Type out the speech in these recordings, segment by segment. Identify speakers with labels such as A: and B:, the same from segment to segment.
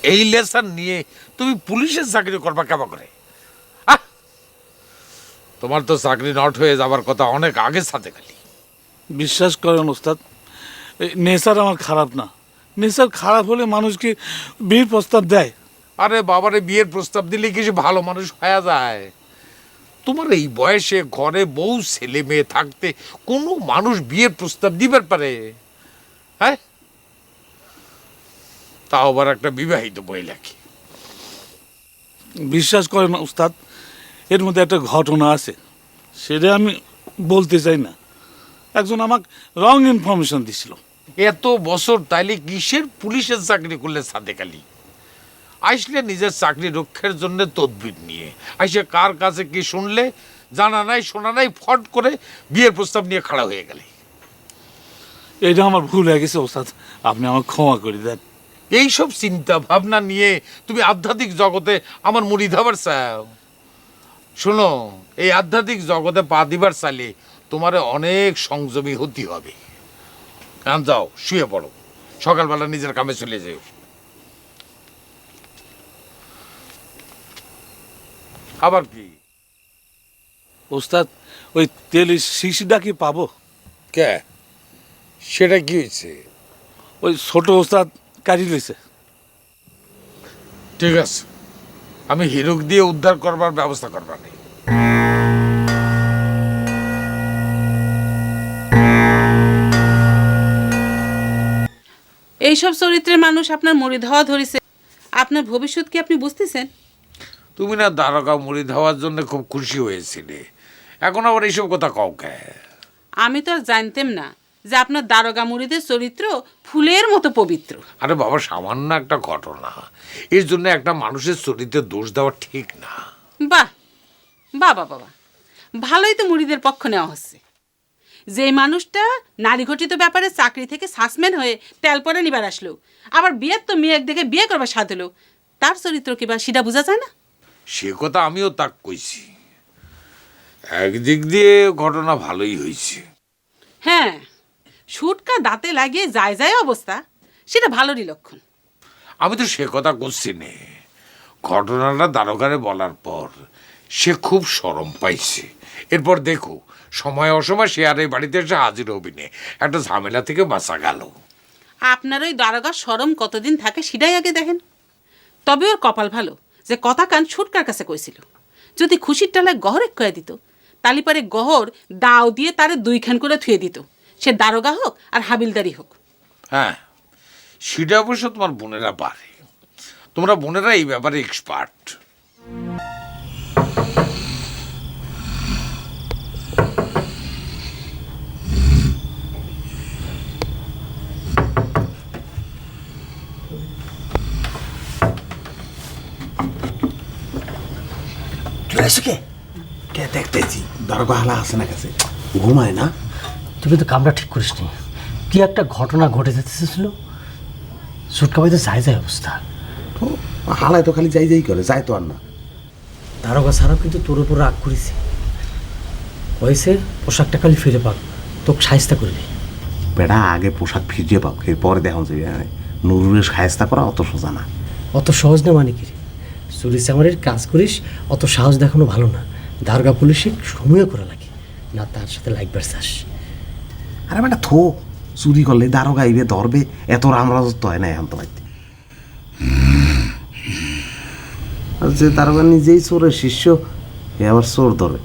A: এই লেসন নিয়ে তুমি পুলিশের চাকরি করবা কেমন করে? তোমার তো চাকরি নট হয়ে যাবার কথা অনেক আগে সাথে খালি।
B: বিশ্বাস করেন ওস্তাদ, নেশার আমার খারাপ না। নেশার খারাপ হলে মানুষ কি বিয়ের প্রস্তাব দেয়?
A: আরে বাবারে, বিয়ের প্রস্তাব দিলে কিছু ভালো মানুষ হয়ে যায়? তোমার এই বয়সে ঘরে বউ ছেলে মেয়ে থাকতে কোনো মানুষ বিয়ের প্রস্তাব দিবার পারে? হ্যাঁ, তাও আবার একটা বিবাহিত মহিলাকে।
B: বিশ্বাস করেন ওস্তাদ, এর মধ্যে একটা ঘটনা আছে, সেটা আমি বলতে চাই না। একজন আমাকে রং ইনফরমেশন দিছিল।
A: এত বছর তাইলে কিসের পুলিশের চাকরি করলে সাদেক আলী? আইসলে নিজের চাকরি রক্ষার জন্য তদবির নিয়ে আইসে কার কাছে কি শুনলে, জানা নাই শোনা নাই, ফট করে বিয়ের প্রস্তাব নিয়ে খাড়া হয়ে গেলে।
B: এটা আমার ভুল হয়ে গেছে ওস্তাদ, আপনি আমাকে ক্ষমা করে দেন।
A: এইসব চিন্তা ভাবনা নিয়ে তুমি আধ্যাত্মিক জগতে আমার মুড়ি ধাবার চাও? শোনো, এই আধ্যাত্মিক জগতে পা দিবার চাইলে তোমার অনেক সংযমী হতে হবে। যাও শুয়ে পড়ো, সকালবেলা নিজের কামে চলে যাও। আবার কি
B: ওস্তাদ, ওই তেলের শিশিটা কি পাবো?
A: কে? সেটা কি হয়েছে?
B: ওই ছোট ওস্তাদ কাটি লইছে।
A: ঠিক আছে, আমি হিরোক দিয়ে উদ্ধার করবার ব্যবস্থা করবার নেই।
C: এইসব চরিত্রের মানুষ আপনার মুড়ি ধাওয়া ধরেছে, আপনার ভবিষ্যৎ কি আপনি বুঝতেছেন?
A: তুমি না দ্বারকা মুড়ি ধাওয়ার জন্য খুব খুশি হয়েছিলে, এখন আবার এইসব কথা কও কে?
C: আমি তো আর জানতাম না যে আপনার দারোগা মুড়িদের চরিত্র ফুলের মতো পবিত্র।
A: আরে বাবা, সামান্য একটা ঘটনা, এর জন্য একটা মানুষের চরিত্রে দোষ দেওয়া ঠিক না।
C: বাহ, বাবা বাবা, ভালোই তো মুড়িদের পক্ষ নেওয়া হচ্ছে। যে মানুষটা নারী ঘটিত ব্যাপারে চাকরি থেকে সাসপেন্ড হয়ে তেল পরে নিবার আসলো, আবার বিয়ের তো মেয়ে দেখে বিয়ে করবার সাথ হলো, তার চরিত্র কিবা সেটা বোঝা যায় না?
A: সে কথা আমিও তাক কইছি। একদিক দিয়ে ঘটনা ভালোই হয়েছে।
C: হ্যাঁ, সুটকা দাঁতে লাগিয়ে যায় যায় অবস্থা, সেটা ভালোরই লক্ষণ।
A: আমি তো সে কথা করছি নে। ঘটনাটা দারোগারে বলার পর সে খুব শরম পাইছে। এরপর দেখো, সময় অসময় সে আর এই বাড়িতে এসে হাজির হবি নে, একটা ঝামেলা থেকে বাঁচা গেল।
C: আপনার ওই দারোগার শরম কতদিন থাকে সেটাই আগে দেখেন। তবে ওর কপাল ভালো যে কথা কান ছুটকার কাছে কইছিল, যদি খুশির টালায় গহরে কয়ে দিত, তালি পারে গহর দাও দিয়ে তারে দুইখান করে থুয়ে দিত, সে দারোগা হোক আর হাবিলদারি হোক।
A: হ্যাঁ, সেটা অবশ্য তোমার বোনেরা পারে। তোমরা বোনেরা এই ব্যাপারে এক্সপার্ট।
D: কে কে দেখতেছি দারোগা হালা আছে না কাছে, ঘুমায় না?
E: তুমি তো কামরা ঠিক করিস নি। কি একটা ঘটনা ঘটে যেতেছিল, সুটকা বাইতে যায় যায় অবস্থা।
D: তো হালায় তো খালি যাই যাই করে, যায় তো আর না।
E: দারোগা ছাড়াও কিন্তু তোর উপর রাগ করেছে, কয়েছে পোশাকটা খালি ফিরে পাক, তোকে সাহিস্তা করবি।
D: বেড়া আগে পোশাক ফিরিয়ে পাও, পরে দেখুন যে নুরুরের সাহেস্তা করা অত সোজা না।
E: অত সহজ না মানে কি রে? চুরি চামারির কাজ করিস, অত সাহস দেখানো ভালো না। দারোগা পুলিশে সময়ও করা লাগে না, তার সাথে লাগবার চাস।
D: আরে বেটা থো, চুরি করলে দারোগা আইবে ধরবে, এত রামরাজত্ব হয় না এখন তো বাড়িতে। আর যে দারোগা নিজেই চোরের শিষ্য, এ আবার চোর ধরে।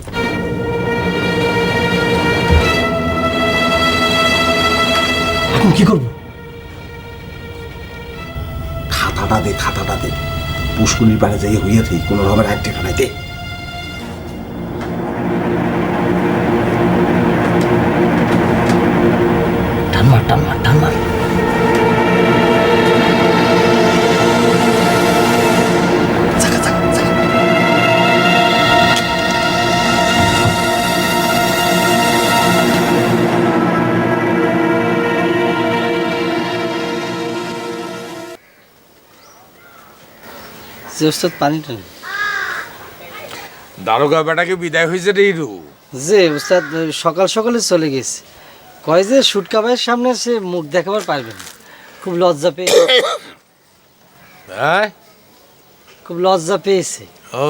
E: এখন কি করবো?
D: খাতাটা দে, খাতাটা দে, পুষ্কুনির পাড়ে যাই হইয়া থাকি, কোনো রকমের আইটে খানাইতে।
E: টানমার টানমার টানমার।
F: ওস্তাদ পানিটা নেই।
A: দারোগা বেটাকে বিদায় হয়েছে রে হিরু।
F: যে ওস্তাদ সকাল সকালে চলে গেছে, কয় যে সুটকা ভাইয়ের সামনে সে মুখ দেখাবার পারবে না, খুব লজ্জা পেয়ে।
A: হ্যাঁ?
F: খুব লজ্জা পেয়েছে।
A: ও,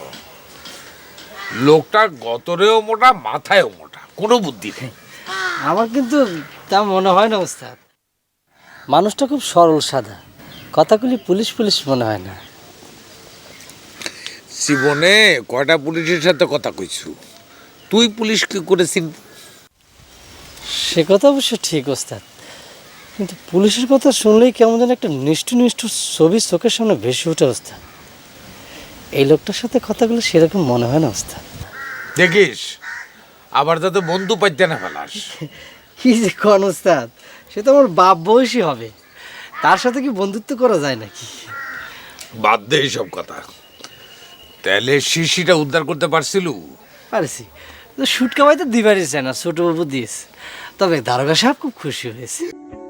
A: লোকটা গতরেও মোটা, মাথায়ও মোটা, কোনো বুদ্ধি নেই।
F: আমার কিন্তু তা মনে হয় না ওস্তাদ। মানুষটা খুব সরল সাদা, কথাগুলি পুলিশ পুলিশ মনে হয় না।
A: জীবনে কয়টা পুলিশের সাথে কথা কইছু? তুই পুলিশ কি করে চিনবি?
F: সে কথা অবশ্য ঠিক ওস্তাদ, কিন্তু পুলিশের কথা শুনলেই কেমন যেন একটা নিষ্ঠুর নিষ্ঠুর ছবি চোখের সামনে ভেসে ওঠে ওস্তাদ। এই লোকটার সাথে কথাগুলো সেরকম মনে হয় না ওস্তাদ।
A: দেখিস আবার যাতে বন্ধু পাইতে না ফেলাস।
F: কি যে কোন ওস্তাদ, সে তো আমার বাপ বয়সী হবে, তার সাথে কি বন্ধুত্ব করা যায় নাকি?
A: বাদ দে এইসব কথা। তাহলে শিশিটা উদ্ধার করতে পারছিল?
F: পারেছি, তো শুটকা ভাই তো দিবারই চায় না, ছোট বাবু দিয়েছে। তবে দারোগা সাহেব খুব খুশি হয়েছে।